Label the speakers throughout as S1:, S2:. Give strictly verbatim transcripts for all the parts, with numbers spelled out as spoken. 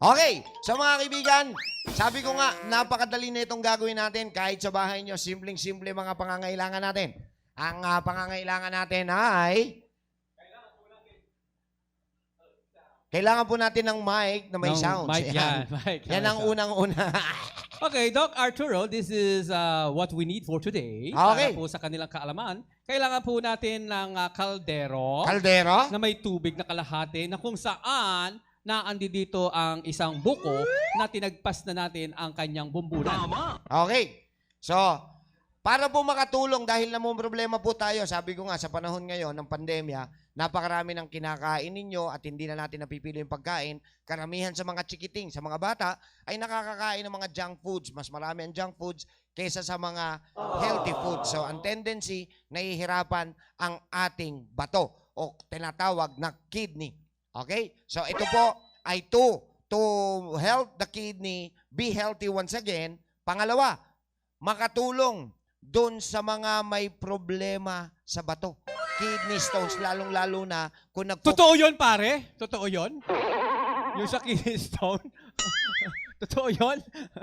S1: Okay, so mga kaibigan, sabi ko nga, napakadali na itong gagawin natin kahit sa bahay nyo, simpleng-simple mga pangangailangan natin. Ang uh, pangangailangan natin ay... Kailangan po natin ng mic na may
S2: Ng
S1: sounds.
S2: mic,
S1: Yan,
S2: yan, mic na
S1: yan
S2: may
S1: ang
S2: sound.
S1: unang-una.
S2: Okay, Doc Arturo, this is uh, what we need for today.
S1: Okay.
S2: Para po sa kanilang kaalaman. Kailangan po natin ng uh, kaldero
S1: Kaldero?
S2: na may tubig na kalahati na kung saan naandi dito ang isang buko na tinagpas na natin ang kanyang bumbunan.
S1: Okay. So, para po makatulong dahil namang problema po tayo, sabi ko nga sa panahon ngayon ng pandemya, napakarami ng kinakain ninyo at hindi na natin napipili yung pagkain. Karamihan sa mga chikiting, sa mga bata, ay nakakakain ng mga junk foods. Mas marami ang junk foods kaysa sa mga healthy foods. So, ang tendency, nahihirapan ang ating bato o tinatawag na kidney. Okay? So, ito po ay to, to help the kidney be healthy once again. Pangalawa, makatulong doon sa mga may problema sa bato. Kidney stones, lalong-lalo na kung nag-
S2: Totoo yun, pare? Totoo yun? Yung sa kidney stone? Totoo yun?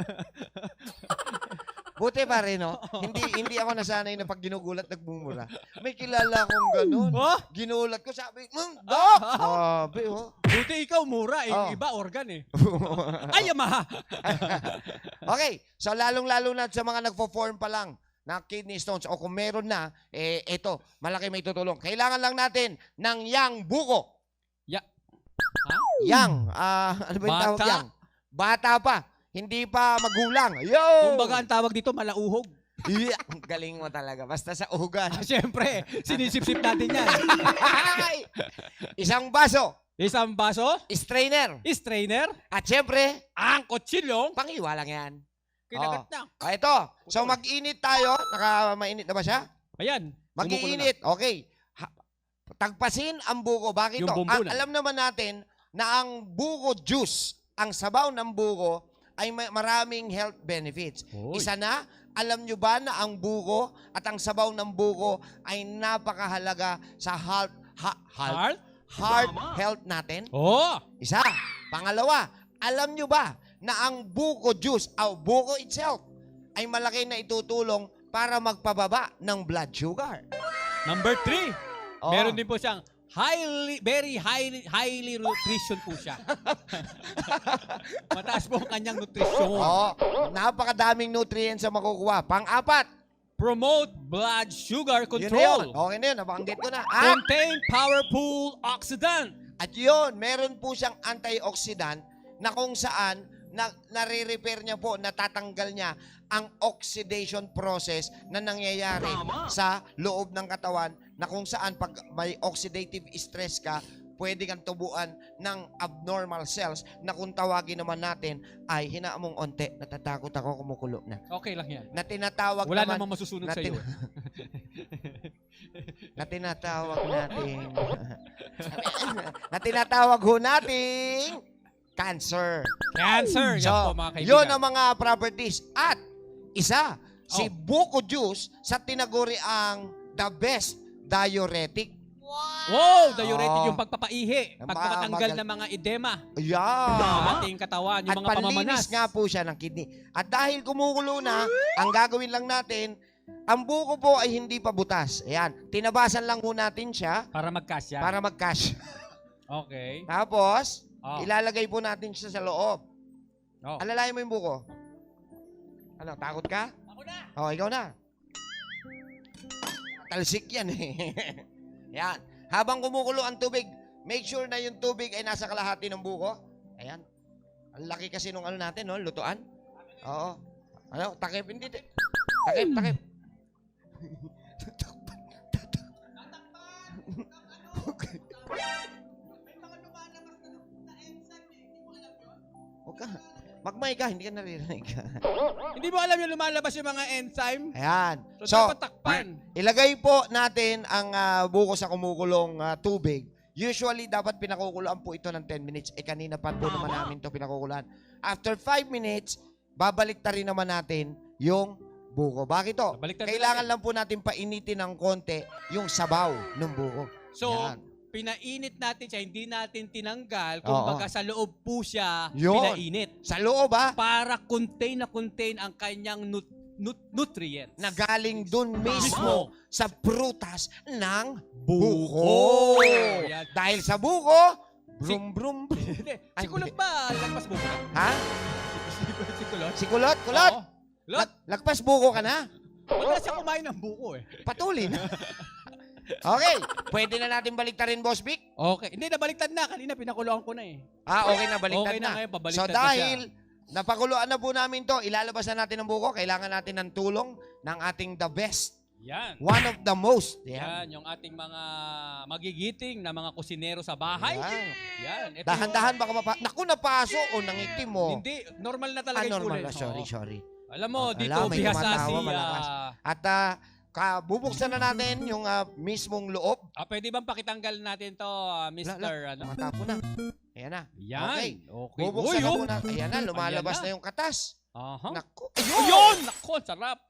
S1: Buti pa rin, no? hindi, hindi ako nasanay na pag ginugulat, nagmumura. May kilala akong ganun.
S2: Oh?
S1: Ginulat ko, sabi, Mmm, Dok! Sabi, oh.
S2: Buti ikaw mura, eh.
S1: Oh.
S2: Iba organ eh. Ay, Yamaha!
S1: Okay, so lalong-lalo na sa mga nagpo-form pa lang na kidney stones o kung meron na, eh, ito, malaki may tutulong. Kailangan lang natin ng yang buko.
S2: Ya. Ha?
S1: Yang, ah, ano ba yung tawag
S2: Bata?
S1: yang? Bata pa, hindi pa magulang. Yo!
S2: Kumbaga ang tawag dito, malauhog.
S1: Yeah, galing mo talaga. Basta sa ugan.
S2: Ah, Siyempre, sinisip-sip natin yan.
S1: Isang baso,
S2: Isang baso,
S1: strainer,
S2: strainer,
S1: at syempre,
S2: ang kutsilyo,
S1: pangiwa lang yan.
S2: kinagat
S1: Oh.
S2: na.
S1: Ah, ito. So mag-init tayo. Naka-mainit na ba siya?
S2: Ayan.
S1: Mag-iinit. Okay. Ha- tagpasin ang buko. Bakit
S2: Yung
S1: ito?
S2: bumbunan.
S1: Ang, alam naman natin na ang buko juice, ang sabaw ng buko, ay may maraming health benefits.
S2: Oy.
S1: Isa na, alam nyo ba na ang buko at ang sabaw ng buko ay napakahalaga sa heart, ha, heart,
S2: Heart?
S1: heart health natin?
S2: Oh!
S1: Isa. Pangalawa, alam nyo ba na ang buko juice o buko itself ay malaki na itutulong para magpababa ng blood sugar?
S2: Number three,
S1: Oo.
S2: meron din po siyang highly, very highly, highly nutrition po siya. Mataas po ang kanyang nutrisyon.
S1: Oo. Napakadaming nutrients ang makukuha. Pang-apat,
S2: Promote blood sugar
S1: yun na yun.
S2: control.
S1: Okay na yun, nabanggit ko na. At,
S2: Contain powerful oxidant.
S1: at yun, meron po siyang antioxidant na kung saan na, nare-repair niya po, natatanggal niya ang oxidation process na nangyayari sa loob ng katawan na kung saan pag may oxidative stress ka, pwede kang tubuan ng abnormal cells na kung tawagin naman natin ay hinaamong onte, natatakot ako, kumukulo na.
S2: Okay lang yan.
S1: Na tinatawag
S2: Wala
S1: naman,
S2: namang masusunod
S1: na
S2: sa iyo.
S1: tin- na tinatawag natin, na tinatawag ho nating cancer.
S2: Cancer. Yan
S1: So,
S2: po mga kaibigan.
S1: yun ang mga properties. At isa, si
S2: Oh.
S1: buko juice sa tinaguri ang the best diuretic.
S2: Wow, diuretic
S1: Oh.
S2: yung pagpapaihi,
S1: Ang
S2: pagpapatanggal
S1: magal-
S2: ng mga edema
S1: Yeah.
S2: sa ating katawan, yung
S1: At
S2: mga pamamanas.
S1: panlinis nga po siya ng kidney. At dahil kumukulo na, ang gagawin lang natin, ang buko po ay hindi pa butas. Ayan, tinabasan lang po natin siya
S2: Para mag-cash yan.
S1: para mag-cash.
S2: Okay.
S1: Tapos,
S2: Oh.
S1: ilalagay po natin siya sa loob.
S2: Oh.
S1: Alalayan mo yung buko. Ano, takot ka?
S2: Ako na.
S1: Oh, ikaw na. Talsik yan eh. Yan. Habang kumukulo ang tubig, make sure na yung tubig ay nasa kalahati ng buko. Ayan. Ang laki kasi nung ano natin, no? Lutuan. Oo. Ano? Takip, hindi. di- Takip, takip. Okay. Huwag ka. Magmay ka, hindi ka naririnig.
S2: Hindi mo alam yung lumalabas yung mga enzyme?
S1: Ayan.
S2: So,
S1: So,
S2: dapat takpan.
S1: ilagay po natin ang ah, buko sa kumukulong ah, tubig. Usually, dapat pinakukulaan po ito ng ten minutes. Eh, kanina pa po naman namin ito pinakukulaan. After five minutes, babalik ta rin naman natin yung buko. Bakit to?
S2: Babalik ta rin
S1: Kailangan
S2: natin.
S1: lang po natin painitin ng konti yung sabaw ng buko.
S2: So,
S1: Yan.
S2: pinainit natin siya, hindi natin tinanggal,
S1: Oo.
S2: kumbaga sa loob po siya
S1: Yun.
S2: pinainit.
S1: Sa loob ha,
S2: Para contain na contain ang kanyang nut- nut- nutrients.
S1: na galing dun mismo sa prutas ng
S2: Buko.
S1: buko.
S2: Yan.
S1: Dahil sa buko, brum brum.
S2: Hindi,
S1: Ay,
S2: si Kulot ba? Lagpas buko ka?
S1: Ha?
S2: Si, si, si Kulot?
S1: Si Kulot? Kulot?
S2: Oo. Kulot?
S1: Lag- lagpas buko ka na?
S2: Wala siya kumain ng buko eh.
S1: Patuloy na. Okay, pwede na natin baliktarin, Boss Vic?
S2: Okay. Hindi, nabaliktad na. Kanina pinakuloan ko na eh.
S1: Ah, okay na, baliktad
S2: Okay na
S1: na.
S2: ngayon,
S1: So
S2: pabaliktad na
S1: dahil napakuluan na po namin to, ilalabas na natin ang buko, kailangan natin ng tulong ng ating the best.
S2: Yan.
S1: One of the most. Yan.
S2: Yan, yung ating mga magigiting na mga kusinero sa bahay.
S1: Yan.
S2: Yan. Ito
S1: Dahan-dahan baka mapa... Naku, napaso o nangitim mo.
S2: Hindi, normal na
S1: Ah,
S2: talaga yung
S1: normal
S2: kulay.
S1: na. Sorry,
S2: Oo.
S1: sorry.
S2: Alam mo,
S1: Ah,
S2: dito,
S1: alam, may
S2: bihasa
S1: tumatawa,
S2: si...
S1: malakas.
S2: ah,
S1: At uh, ka, bubuksan na natin yung ah, mismong loob.
S2: ah, pwede bang pakitanggal natin to, ah, mister ano?
S1: Matapo na. Ayan na.
S2: Yan.
S1: Okay.
S2: Okay.
S1: Bubuksan na
S2: oh.
S1: muna. Ayan na, lumalabas
S2: Ayan na.
S1: na yung katas.
S2: Aha.
S1: Naku.
S2: Ayun! Nako, sarap.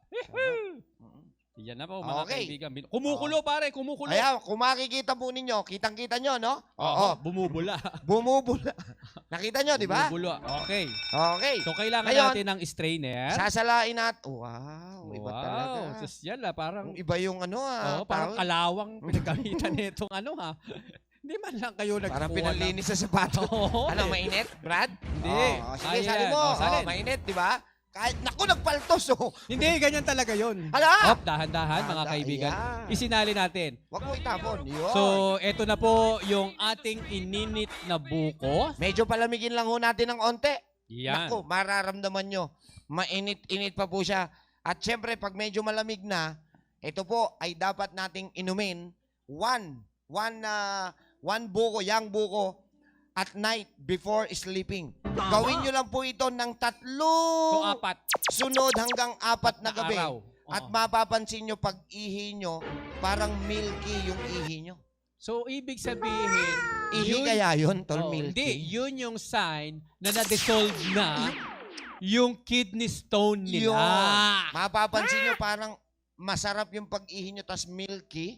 S1: Mm.
S2: Yan na po, mga
S1: Okay.
S2: kaibigan. Bin- Kumukulo, pare. Kumukulo.
S1: Ayan, kung makikita po ninyo, kitang-kita nyo, no? Oo.
S2: Oo. Bumubula.
S1: Bumubula. Nakita nyo, di ba?
S2: Bumubula. Okay.
S1: Okay.
S2: So, kailangan
S1: Ngayon,
S2: natin ng strainer.
S1: Sasalain natin. Wow, iba talaga.
S2: Wow. Sosyal ah. Parang,
S1: Iba yung ano ah.
S2: oh, parang
S1: tawag-
S2: kalawang pinagkamitan nitong ano ha. Hindi man lang kayo nagkukuha.
S1: Parang pinalinis sa sapato.
S2: Oo.
S1: Ano, mainit, Brad?
S2: Hindi.
S1: Oh, sige,
S2: Ayan.
S1: sali mo.
S2: Oh, salin.
S1: Oh, mainit, di ba? Kahit, naku, nagpaltos, oh.
S2: Hindi, ganyan talaga yun.
S1: Hala!
S2: Hop, dahan-dahan mga
S1: Dahan-
S2: kaibigan.
S1: ayan.
S2: Isinali natin.
S1: Huwag mo itapon. Yun.
S2: So, eto na po yung ating ininit na buko.
S1: Medyo palamigin lang ho natin ng onte.
S2: Yan.
S1: Naku, mararamdaman nyo. Mainit-init pa po siya. At syempre, pag medyo malamig na, ito po ay dapat nating inumin one, one, uh, one buko, yang buko, at night before sleeping. Gawin nyo lang po ito ng
S2: So,
S1: tatlong
S2: apat
S1: sunod hanggang apat na gabi.
S2: araw.
S1: At
S2: Oo.
S1: mapapansin nyo pag ihi nyo, parang milky yung ihi nyo.
S2: So, ibig sabihin,
S1: Ihi
S2: yun-
S1: kaya yun, tol,
S2: Oh,
S1: milky?
S2: hindi, yun yung sign na na-dissolve na yung kidney stone nila.
S1: Yun. Mapapansin nyo parang masarap yung pag-ihi nyo tas milky.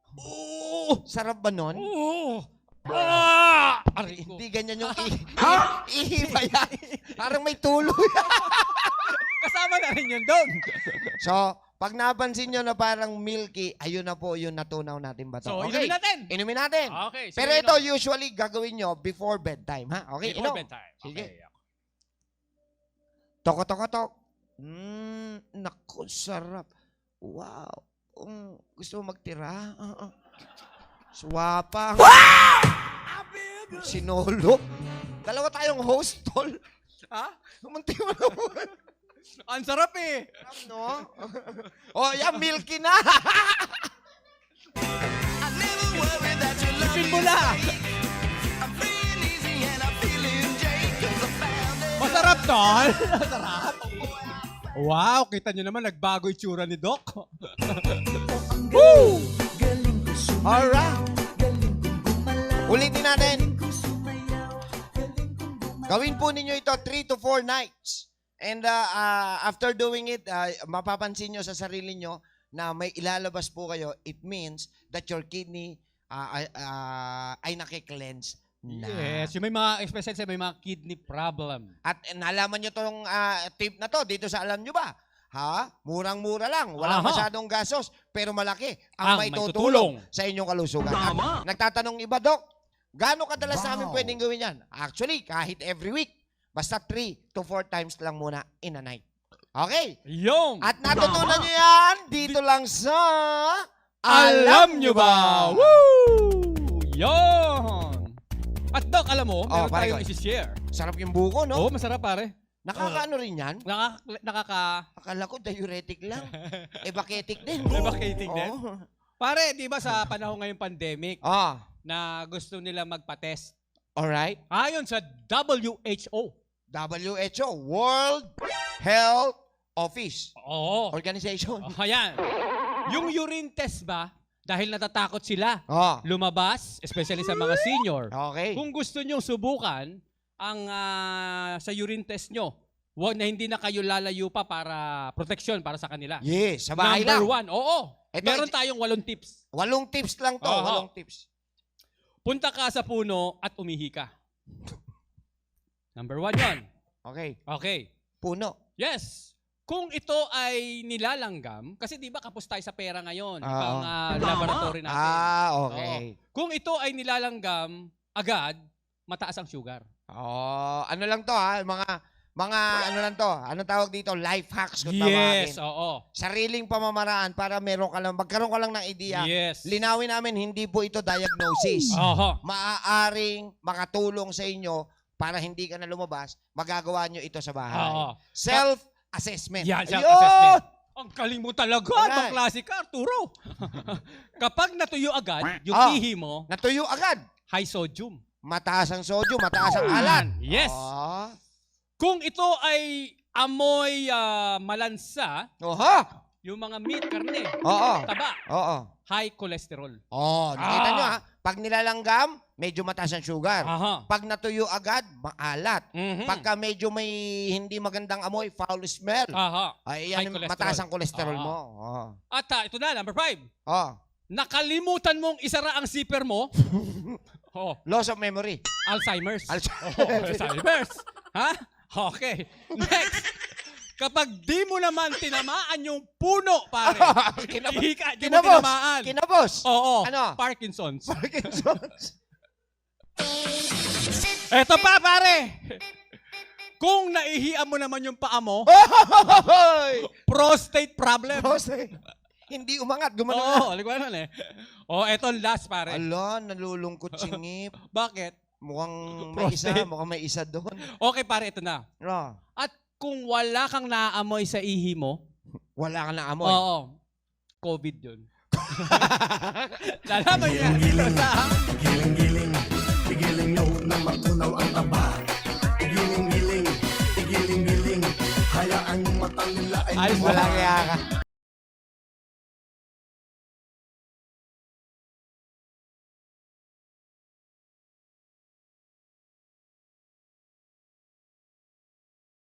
S2: Oo!
S1: Sarap ba nun?
S2: Oo! Ah! Aray ko.
S1: Hindi ganyan yung ihi. Ihi ba yan? Parang may tulo.
S2: Kasama na rin yun doon.
S1: So, pag napansin nyo na parang milky, ayun na po yung natunaw natin ba to?
S2: So,
S1: Okay,
S2: inumin natin.
S1: inumin natin.
S2: Okay.
S1: Pero
S2: sige,
S1: ito,
S2: inom.
S1: usually, gagawin nyo before bedtime, ha? Okay,
S2: Before
S1: inom.
S2: bedtime.
S1: Sige.
S2: Okay.
S1: Toko, toko, tok. Mmm, naku, sarap. Wow. Um, gusto mo magtira? Uh, uh. Swapang. Sinolo. Dalawa tayong host, tol.
S2: Ha?
S1: Kumunti mo naman.
S2: Ang sarap eh.
S1: No? Oh, yan, milky na.
S2: Sipin mo na. Masarap, tol. Masarap. Wow, kita nyo naman, nagbago itsura ni Doc. Woo!
S1: Alright. Ulitin natin. Gawin po ninyo ito three to four nights. And uh, uh, after doing it, uh, mapapansin nyo sa sarili nyo na may ilalabas po kayo. It means that your kidney uh, uh, ay nakiklense na.
S2: Yes, yung may mga, especially sa may mga kidney problem.
S1: At eh, nalaman nyo tong uh, tip na to dito sa Alam Nyo Ba? Ha? Murang-mura lang. Walang
S2: Aha.
S1: masyadong gasos, pero malaki
S2: Ang
S1: ang may
S2: may
S1: tutulong
S2: tutulong.
S1: sa inyong kalusugan.
S2: Tama.
S1: At nagtatanong iba, Dok, gaano kadalas
S2: Wow.
S1: namin pwedeng gawin yan? Actually, kahit every week. Basta three to four times lang muna in a night. Okay?
S2: Yung!
S1: At natutunan nyo yan dito lang sa
S2: Alam nyo ba? Woo! Yon! At Doc, alam mo, meron
S1: pare
S2: tayong
S1: ko.
S2: isi-share.
S1: Sarap yung buko, no?
S2: Oo, masarap pare.
S1: Nakakaano rin yan?
S2: Nakaka... nakaka
S1: Akala ko diuretic lang. Evacetic din.
S2: Evacuating din?
S1: Oo.
S2: Pare, di ba sa panahon ngayong pandemic
S1: Ah,
S2: na gusto nila magpa-test?
S1: alright.
S2: Ayon sa W H O.
S1: W H O, World Health Office
S2: Oo.
S1: Organization.
S2: Oh, ayan. Yung urine test ba, dahil natatakot sila
S1: Oh,
S2: lumabas, especially sa mga senior,
S1: okay.
S2: kung gusto nyong subukan ang ah, sa urine test nyo, wag na hindi na kayo lalayo pa para protection para sa kanila.
S1: Yes, sa bahay
S2: Number
S1: lang.
S2: one, oo.
S1: Ito,
S2: Meron
S1: ito-
S2: tayong walong tips.
S1: Walong tips lang to,
S2: Aha.
S1: walong tips.
S2: punta ka sa puno at umihi ka. Number one yun.
S1: Okay.
S2: Okay.
S1: Puno.
S2: Yes. Kung ito ay nilalanggam, kasi di ba kapos tayo sa pera ngayon,
S1: Oo.
S2: pang ah, laboratory natin.
S1: Ah, okay.
S2: Kung ito ay nilalanggam agad, mataas ang sugar.
S1: Oh, ano lang to ha, mga mga ano lang to, anong tawag dito, life hacks kung
S2: Yes,
S1: tawagin.
S2: oo.
S1: Sariling pamamaraan para meron ka lang, magkaroon ka lang ng idea.
S2: Yes.
S1: Linawin namin, hindi po ito diagnosis.
S2: Oho.
S1: Maaaring makatulong sa inyo para hindi ka na lumabas, magagawa nyo ito sa bahay.
S2: Oo.
S1: Self-assessment.
S2: Yan,
S1: Ayun!
S2: self-assessment. Ang galing mo talaga,
S1: Alright.
S2: ibang klase ka, Arturo. Kapag natuyo agad, yung
S1: Ah.
S2: ihi mo,
S1: Natuyo agad.
S2: high sodium.
S1: Mataas ang sodium, mataas ang alat.
S2: Yes.
S1: Oh.
S2: Kung ito ay amoy ah, malansa,
S1: Oho.
S2: yung mga meat, karne,
S1: Oo.
S2: taba,
S1: Oo.
S2: high cholesterol.
S1: Oh, nakita
S2: Ah.
S1: nyo ha? Pag nilalanggam, medyo mataas ang sugar.
S2: Aha.
S1: Pag natuyo agad, maalat.
S2: Mhm.
S1: Pagka medyo may hindi magandang amoy, foul smell,
S2: Aha.
S1: ay
S2: High
S1: yan,
S2: cholesterol.
S1: mataas ang kolesterol
S2: Ah.
S1: mo. Oh.
S2: At ah, ito na, number five.
S1: Oh.
S2: Nakalimutan mong isara ang zipper mo. oh,
S1: Loss of memory.
S2: Alzheimer's.
S1: Alzheimer's.
S2: Oh, Alzheimer's. Ha? Okay. Next. Kapag di mo naman tinamaan yung puno, pare.
S1: Kinab-
S2: Ihi ka, di mo
S1: Kinabos.
S2: tinamaan.
S1: Kinabos.
S2: Oo.
S1: Ano?
S2: Parkinson's.
S1: Parkinson's.
S2: Eto pa, pare. Kung naihian mo naman yung paa mo,
S1: Hoy!
S2: prostate problem.
S1: Jose, hindi umangat, gumano na.
S2: Oo, alam ko naman eh. Oh, eto last, pare.
S1: Ala, nalulungkot singip.
S2: Bakit?
S1: Mukhang may isa,
S2: Prostate.
S1: mukhang may isa doon.
S2: Okay, pare, ito na.
S1: No,
S2: At kung wala kang naaamoy sa ihi mo,
S1: wala ka na amoy.
S2: oo, COVID yun. Lalaman niya. Ito sa...
S3: Giling-giling, igiling nyo na matunaw ang taba. Igiling-giling, igiling-giling, hayaan yung mata nila ay
S2: Ayos
S1: Wala
S2: na.
S1: kaya ka.